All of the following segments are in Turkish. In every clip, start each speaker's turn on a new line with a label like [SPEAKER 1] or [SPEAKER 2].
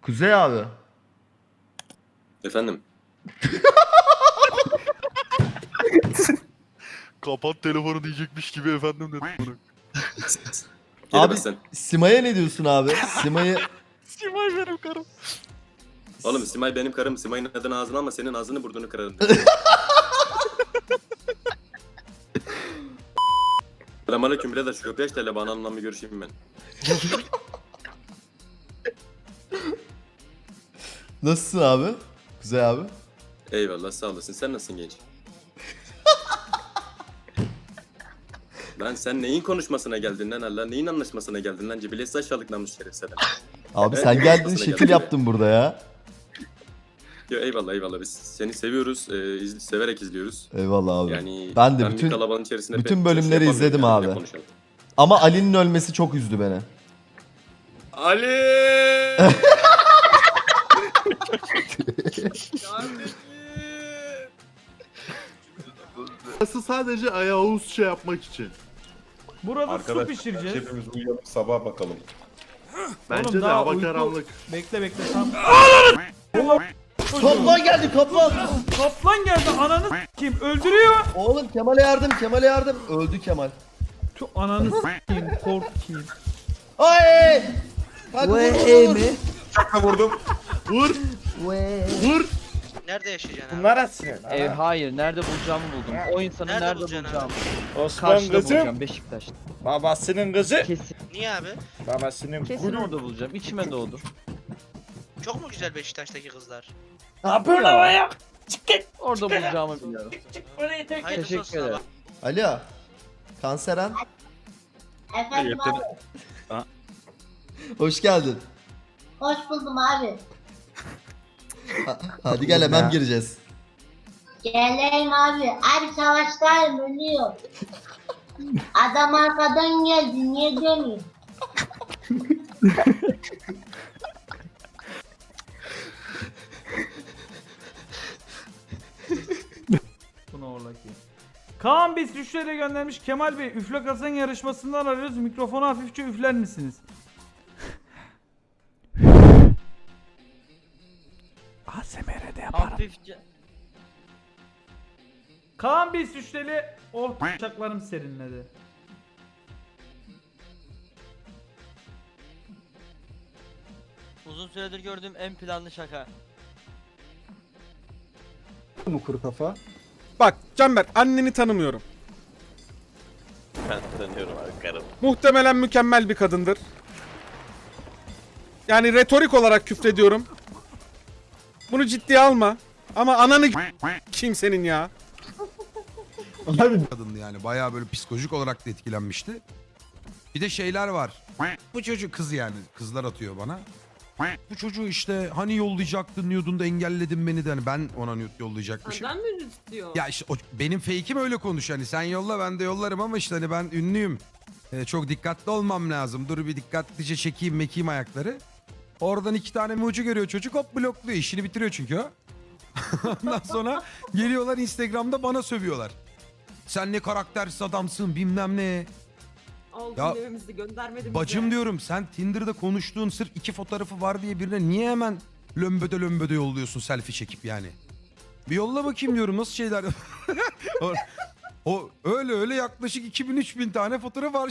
[SPEAKER 1] Kuzey abi.
[SPEAKER 2] Efendim.
[SPEAKER 3] Kapat telefonu diyecekmiş gibi efendim dedim bunu.
[SPEAKER 1] Abi
[SPEAKER 2] Sen.
[SPEAKER 1] Sima'ya ne diyorsun abi? Sima'yı
[SPEAKER 3] Simay benim karım.
[SPEAKER 2] Oğlum Simay benim karım. Simay'ın adını ağzına ama senin ağzını burnunu kırarım. Selamünaleyküm birader, şu köpeği aç da hele bana hanımla bir görüşeyim ben.
[SPEAKER 1] nasılsın abi? Kuzey abi.
[SPEAKER 2] Eyvallah sağ olasın. Sen nasılsın genç? Lan sen neyin konuşmasına geldin lan Allah? Neyin anlaşmasına geldin lan? Cibilesi aşağılık namus şeref seden.
[SPEAKER 1] Abi
[SPEAKER 2] Evet,
[SPEAKER 1] sen geldin
[SPEAKER 2] nasıl
[SPEAKER 1] şekil
[SPEAKER 2] geldin?
[SPEAKER 1] yaptın burada ya.
[SPEAKER 2] Yo, eyvallah eyvallah, biz seni seviyoruz. Severek izliyoruz.
[SPEAKER 1] Eyvallah abi.
[SPEAKER 2] Yani
[SPEAKER 1] Ben de
[SPEAKER 2] bir
[SPEAKER 1] bütün
[SPEAKER 2] kalabalığın içerisinde
[SPEAKER 1] bütün
[SPEAKER 2] pek
[SPEAKER 1] bölümleri
[SPEAKER 2] yapamıyorum
[SPEAKER 1] izledim
[SPEAKER 2] yani,
[SPEAKER 1] abi.
[SPEAKER 2] ne konuşalım.
[SPEAKER 1] Ama Ali'nin ölmesi çok üzdü beni.
[SPEAKER 2] Ali!
[SPEAKER 3] Burası sadece ayağı şey yapmak için.
[SPEAKER 4] Burada su
[SPEAKER 5] Arkadaşlar
[SPEAKER 4] pişireceğiz.
[SPEAKER 5] hepimiz uyuyalım sabah bakalım.
[SPEAKER 3] Bence
[SPEAKER 4] Oğlum,
[SPEAKER 3] de
[SPEAKER 4] daha
[SPEAKER 3] hava
[SPEAKER 4] uyku-
[SPEAKER 3] karanlık.
[SPEAKER 4] Bekle tam.
[SPEAKER 1] Kaplan geldi kaplan.
[SPEAKER 4] Kaplan geldi ananı s**eyim öldürüyor.
[SPEAKER 1] Oğlum Kemal'e yardım, Kemal'e yardım. Öldü Kemal.
[SPEAKER 4] Şu ananı s**eyim korkayım.
[SPEAKER 1] Ay! Kanka vur.
[SPEAKER 5] Çakla vurdum.
[SPEAKER 3] Vur! Vur!
[SPEAKER 6] Nerede yaşayacaksın abi?
[SPEAKER 7] Bunlar atsın.
[SPEAKER 8] Hayır, nerede bulacağımı buldum. O insanı
[SPEAKER 6] Nerede
[SPEAKER 8] nerede,
[SPEAKER 6] bulacaksın
[SPEAKER 8] bulacağımı.
[SPEAKER 7] Osman
[SPEAKER 8] Karşıda
[SPEAKER 7] kızım.
[SPEAKER 8] bulacağım, Beşiktaş'ta.
[SPEAKER 7] Babasının kızı.
[SPEAKER 8] Kesin,
[SPEAKER 6] Niye abi?
[SPEAKER 7] Babasının
[SPEAKER 8] kesin
[SPEAKER 7] gülü.
[SPEAKER 8] orada bulacağım. İçime doğdu.
[SPEAKER 6] Çok mu güzel Beşiktaş'taki kızlar?
[SPEAKER 7] Ne yapıyorsun havaya? Çık git.
[SPEAKER 8] Orada bulacağımı biliyorum.
[SPEAKER 7] Orayı tek.
[SPEAKER 6] Hayırlısı
[SPEAKER 8] Teşekkür
[SPEAKER 6] olsun
[SPEAKER 8] ederim.
[SPEAKER 6] abi.
[SPEAKER 1] Alo. Kanseren.
[SPEAKER 9] Efendim abi.
[SPEAKER 1] Hoş geldin.
[SPEAKER 9] Hoş buldum abi.
[SPEAKER 1] Hadi gel hemen gireceğiz.
[SPEAKER 9] Geleyim abi. Abi savaştayım ölüyor. Adam arkadan geldi. Niye dönüyor?
[SPEAKER 4] Bunu orla ki. Kaan biz 3 lira göndermiş. Kemal Bey üfle kazan yarışmasından arıyoruz. Mikrofonu hafifçe üfler misiniz? ASMR'de yaparım.
[SPEAKER 8] Hafifçe.
[SPEAKER 4] Kaan biz 3 lira. Oh bıçaklarım serinledi.
[SPEAKER 8] Uzun süredir gördüğüm en planlı şaka.
[SPEAKER 10] Bak Canberk, anneni tanımıyorum.
[SPEAKER 3] Ben tanıyorum abi karım.
[SPEAKER 10] Muhtemelen mükemmel bir kadındır. Yani retorik olarak küfrediyorum. Bunu ciddiye alma. Ama ananı kim senin ya?
[SPEAKER 11] Kadındı yani bayağı böyle psikolojik olarak da etkilenmişti. Bir de şeyler var. Bu çocuk kız yani kızlar atıyor bana. Bu çocuğu işte hani yollayacaktın diyordun da engelledin beni de hani ben ona nude yollayacakmışım.
[SPEAKER 9] Senden mi istiyor?
[SPEAKER 11] Ya işte benim fake'im öyle konuşuyor hani sen yolla ben de yollarım ama işte hani ben ünlüyüm. Çok dikkatli olmam lazım. Dur bir dikkatlice çekeyim mekeyim ayakları. Oradan 2 tane emoji görüyor çocuk hop blokluyor işini bitiriyor çünkü o. Ondan sonra geliyorlar Instagram'da bana sövüyorlar. Sen ne karaktersiz adamsın bilmem ne. Ya, bacım diyorum sen Tinder'da konuştuğun sırf 2 fotoğrafı var diye birine niye hemen lömböde yolluyorsun selfie çekip yani. Bir yolla bakayım diyorum nasıl şeyler. o öyle yaklaşık 2000-3000 tane fotoğraf var.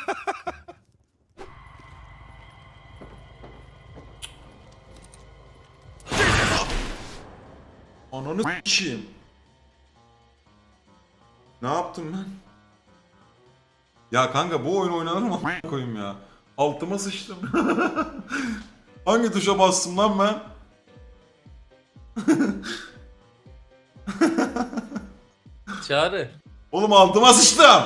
[SPEAKER 5] Ananı s**eyim. Ne yaptım ben? Ya kanka bu oyun oynanır mı a**ına koyayım ya? Altıma sıçtım. Hangi tuşa bastım lan ben?
[SPEAKER 7] Çağrı.
[SPEAKER 5] Oğlum altıma sıçtım.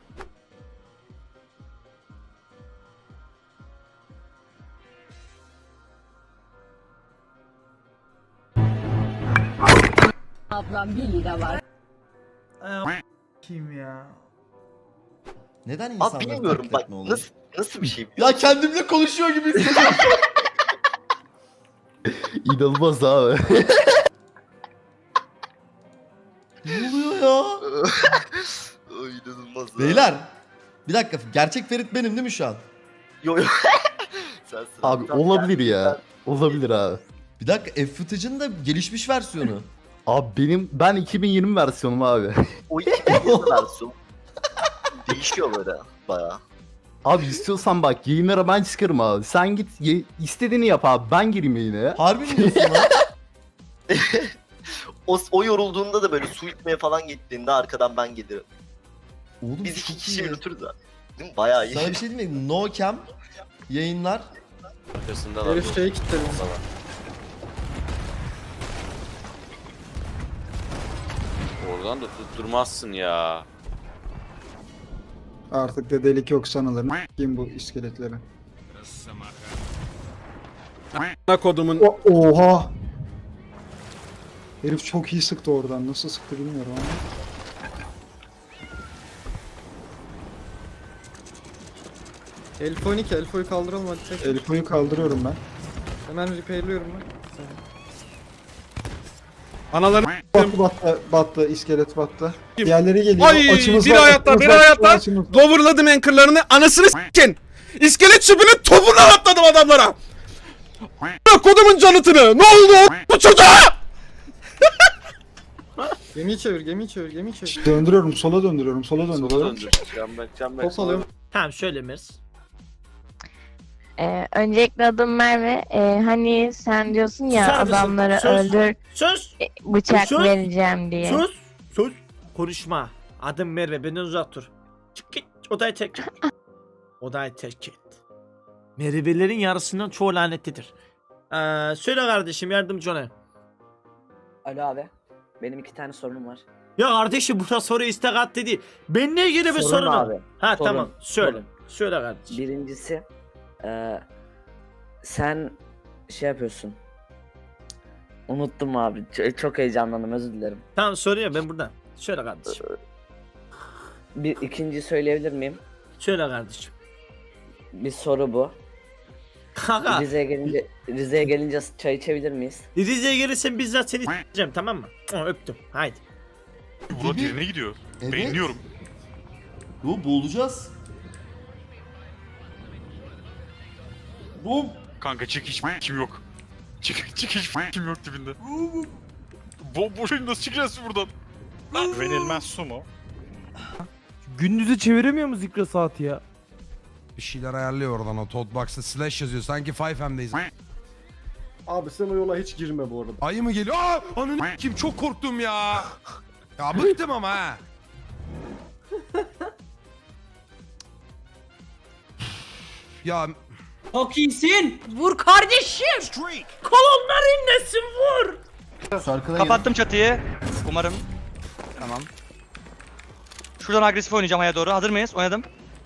[SPEAKER 9] Ablam 1 lira var.
[SPEAKER 4] Kim ya?
[SPEAKER 1] Neden insanları
[SPEAKER 7] bilmiyorum
[SPEAKER 1] taklit
[SPEAKER 7] bak
[SPEAKER 1] etme oluyor?
[SPEAKER 7] nasıl bir şey?
[SPEAKER 1] Ya kendimle konuşuyor gibi hissediyorum. İnanılmaz abi. Ne oluyor ya?
[SPEAKER 7] İnanılmaz.
[SPEAKER 1] Beyler. Bir dakika gerçek Ferit benim değil mi şu an?
[SPEAKER 7] Yo. Sensin.
[SPEAKER 1] Abi olabilir ya. Olabilir abi.
[SPEAKER 12] Bir dakika F-Footage'ın da gelişmiş versiyonu.
[SPEAKER 1] Abi ben 2020 versiyonum abi.
[SPEAKER 7] O 2020 versiyon. Değişiyor böyle bayağı.
[SPEAKER 1] Abi istiyorsan bak yayınlara ben çıkarım abi. Sen git istediğini yap abi. Ben gireyim yayına ya.
[SPEAKER 12] Harbi mi diyorsun lan?
[SPEAKER 7] O yorulduğunda da böyle su içmeye falan gittiğinde arkadan ben gelirim.
[SPEAKER 12] Oğlum
[SPEAKER 7] Biz 2
[SPEAKER 12] çok
[SPEAKER 7] kişi
[SPEAKER 12] iyi.
[SPEAKER 7] yürütürüz ha. Değil mi? Bayağı iyi.
[SPEAKER 12] Sana bir şey diyeyim mi? No cam yayınlar.
[SPEAKER 3] Arkasındalar.
[SPEAKER 10] Herif şeyi kilitledim.
[SPEAKER 3] Oradan da tutturmazsın ya.
[SPEAKER 10] Artık da delik yok sanılır. Kim bu iskeletleri? Kodumun. Oha! Herif çok iyi sıktı oradan. Nasıl sıktı bilmiyorum ama.
[SPEAKER 11] Elfo 2, Elfo'yu kaldıralım hadi tek.
[SPEAKER 10] Elfo'yu kaldırıyorum ben.
[SPEAKER 11] Hemen repairliyorum ben.
[SPEAKER 10] Anaları battı, iskelet battı. Diğerleri geliyor.
[SPEAKER 11] Ay,
[SPEAKER 10] Açımız
[SPEAKER 11] biri
[SPEAKER 10] var,
[SPEAKER 11] hayatta,
[SPEAKER 10] açımız
[SPEAKER 11] biri
[SPEAKER 10] var,
[SPEAKER 11] hayatta.
[SPEAKER 10] açımız var.
[SPEAKER 11] Loverladım anchorlarını, anasını s**kin. İskelet çöpünün topundan atladım adamlara. Kodumun canıtını. Ne oldu bu çocuğa? Gemiyi çevir, gemiyi çevir, gemiyi çevir. Döndürüyorum, sola döndürüyorum, sola
[SPEAKER 3] Sola
[SPEAKER 10] döndürüyorum.
[SPEAKER 3] döndür. Can
[SPEAKER 11] Top alıyorum.
[SPEAKER 8] Tamam şöyle Mirs.
[SPEAKER 9] Öncelikle adım Merve. Hani sen diyorsun ya
[SPEAKER 8] Susar mısın?
[SPEAKER 9] adamları
[SPEAKER 8] Sus.
[SPEAKER 9] öldür
[SPEAKER 8] Sus.
[SPEAKER 9] bıçak
[SPEAKER 8] Sus.
[SPEAKER 9] vereceğim diye.
[SPEAKER 8] Sus. Sus. Konuşma. Adım Merve benden uzak dur. Çık git. Odayı terk et. Odayı terk et. Mervelerin yarısından çoğu lanetlidir. Söyle kardeşim yardımcı olayım.
[SPEAKER 7] Alo abi. Benim 2 tane sorunum var.
[SPEAKER 8] Ya kardeşim buna soru istek at dedi. Benimle ilgili bir sorun var. Ha
[SPEAKER 7] Sorun.
[SPEAKER 8] tamam söyle.
[SPEAKER 7] Sorun.
[SPEAKER 8] Söyle kardeşim.
[SPEAKER 7] Birincisi sen şey yapıyorsun. Unuttum abi. Çok heyecanlandım, özür dilerim.
[SPEAKER 8] Tamam soruyor ben buradan. Söyle kardeşim.
[SPEAKER 7] İkinci söyleyebilir miyim?
[SPEAKER 8] Söyle kardeşim.
[SPEAKER 7] Bir soru bu.
[SPEAKER 8] Kanka
[SPEAKER 7] Rize'ye gelince çay içebilir miyiz?
[SPEAKER 8] Rize'ye gelirsen bizzat seni s**eceğim tamam mı? Öptüm haydi.
[SPEAKER 12] Murat yerine gidiyor. Evet. Beğeniyorum. Bu boğulacağız. Bu
[SPEAKER 13] Kanka çık hiç kim yok. Çık hiç kim yok dibinde. Boşuna nasıl çıkacağız buradan? Güvenilmez su mu?
[SPEAKER 4] Gündüzü çeviremiyor mu Zikra saati ya?
[SPEAKER 11] Bir şeyler ayarlıyor oradan o Toadbox'ta slash yazıyor. Sanki 5M'deyiz.
[SPEAKER 10] Abi sen o yola hiç girme bu arada.
[SPEAKER 11] Ayı mı geliyor? Aa! Ananı kim çok korktum ya. Ya bıktım ama ha. Ya
[SPEAKER 7] Çok iyisin.
[SPEAKER 8] Vur kardeşim. Kolonlar inlesin vur.
[SPEAKER 12] arkada
[SPEAKER 8] Kapattım çatıyı. Umarım. Tamam. Şuradan agresif oynayacağım aya doğru. Hazır mıyız? Oynadım.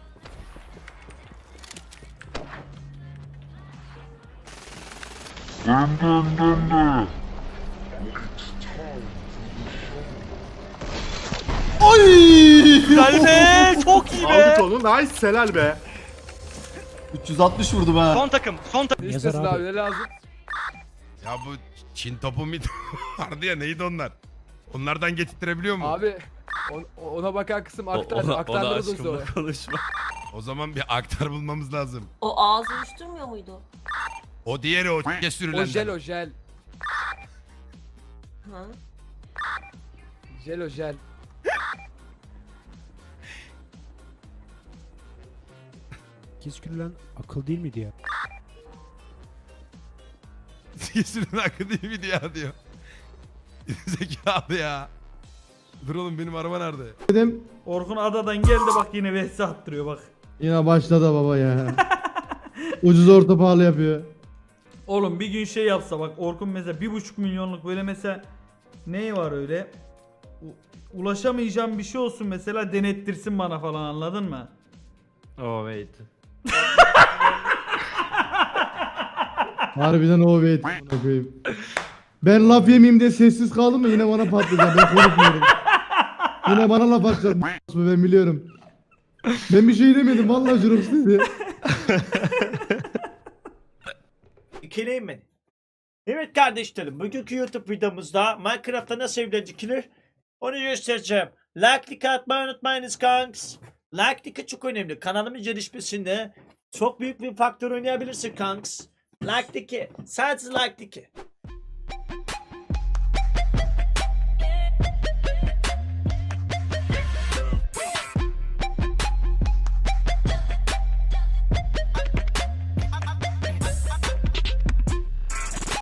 [SPEAKER 8] Güzel be. Çok iyi be.
[SPEAKER 3] Aldık onu. Nice. Helal be.
[SPEAKER 12] 360 vurdum ha.
[SPEAKER 8] Son takım. Son takım.
[SPEAKER 10] İstesin abi ne lazım?
[SPEAKER 11] ya bu Çin topu mi vardı ya, neydi onlar? Onlardan getirtirebiliyor mu?
[SPEAKER 10] Abi ona bakan kısım aktarırız sonra.
[SPEAKER 3] konuşma.
[SPEAKER 11] O zaman bir aktar bulmamız lazım.
[SPEAKER 9] O ağzı uyuşturmuyor muydu?
[SPEAKER 11] O diğeri o sürülen.
[SPEAKER 10] o jel.
[SPEAKER 9] Hı?
[SPEAKER 10] Jel o jel.
[SPEAKER 4] Kesküllen akıl değil miydi ya?
[SPEAKER 11] Sürülen hakkı değil mi diyor. Zekalı ya. Dur oğlum benim araba nerede?
[SPEAKER 4] Orkun adadan geldi bak yine vs attırıyor bak.
[SPEAKER 10] Yine başladı baba ya. Ucuz orta pahalı yapıyor.
[SPEAKER 4] Oğlum bir gün şey yapsa bak Orkun mesela 1,5 milyonluk böyle mesela neyi var öyle ulaşamayacağım bir şey olsun mesela denettirsin bana falan anladın mı? Oh wait.
[SPEAKER 10] Harbiden o evet. Ben laf yemeyeyim diye sessiz kaldım mı yine bana patlayacak. Ben konuşmuyorum. Yine bana laf atacak. Ben biliyorum. Ben bir şey demedim vallahi Jurox dedi.
[SPEAKER 8] İkileyim mi? Evet kardeşlerim bugünkü YouTube videomuzda Minecraft'ta nasıl evler dikilir onu göstereceğim. Like atmayı unutmayınız kanks. Like çok önemli. Kanalımın gelişmesinde çok büyük bir faktör oynayabilirsin kanks. Like 2. Sadece like 2.